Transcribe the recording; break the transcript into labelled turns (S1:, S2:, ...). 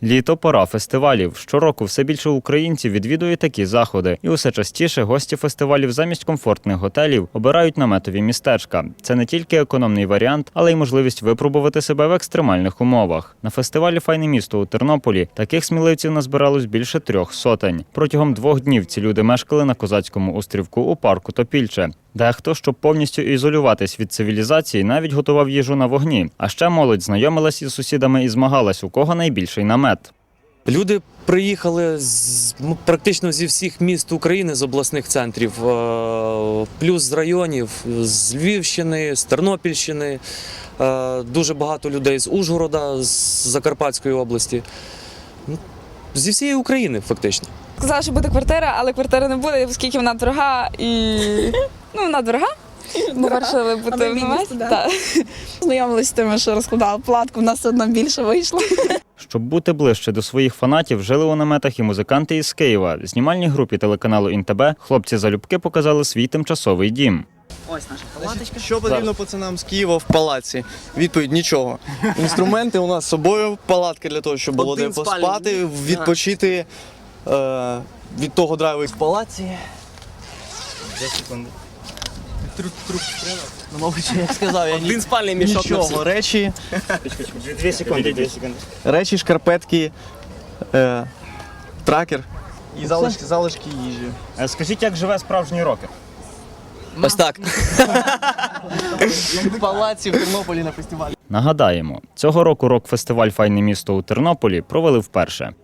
S1: Літо – пора фестивалів. Щороку все більше українців відвідує такі заходи. І усе частіше гості фестивалів замість комфортних готелів обирають наметові містечка. Це не тільки економний варіант, але й можливість випробувати себе в екстремальних умовах. На фестивалі «Файне місто» у Тернополі таких сміливців назбиралось більше 300. Протягом 2 днів ці люди мешкали на Козацькому острівку у парку Топільче. Дехто, щоб повністю ізолюватись від цивілізації, навіть готував їжу на вогні. А ще молодь знайомилась із сусідами і змагалась, у кого найбільший намет.
S2: Люди приїхали практично зі всіх міст України, з обласних центрів, плюс з районів, з Львівщини, з Тернопільщини, дуже багато людей з Ужгорода, з Закарпатської області. Зі всієї України фактично.
S3: Сказала, що буде квартира, але квартири не буде, оскільки вона дорога і вона дорога. Ми вирішили бути в наметі.
S4: Знайомилися з тими, що розкладали платку, в нас одна більше вийшло.
S1: Щоб бути ближче до своїх фанатів, жили у наметах і музиканти із Києва. Знімальній групі телеканалу «ІНТБ» хлопці-залюбки показали свій тимчасовий дім.
S5: Ось наша палаточка. Що потрібно пацанам з Києва в палаці? Відповідь – нічого. Інструменти у нас з собою, палатка для того, щоб було де поспати, відпочити від того драйву в палаці. 2 секунди. Труп треба? Ну, мабуть, як сказав, я
S2: Один спальний мішок на
S5: нічого. Речі.
S1: 2 секунди.
S5: Речі, шкарпетки, тракер і залишки їжі.
S1: Скажіть, як живе справжній рокер?
S2: Ось так.
S5: В палаці в Тернополі на фестивалі.
S1: Нагадаємо, цього року рок-фестиваль «Файне місто» у Тернополі провели вперше.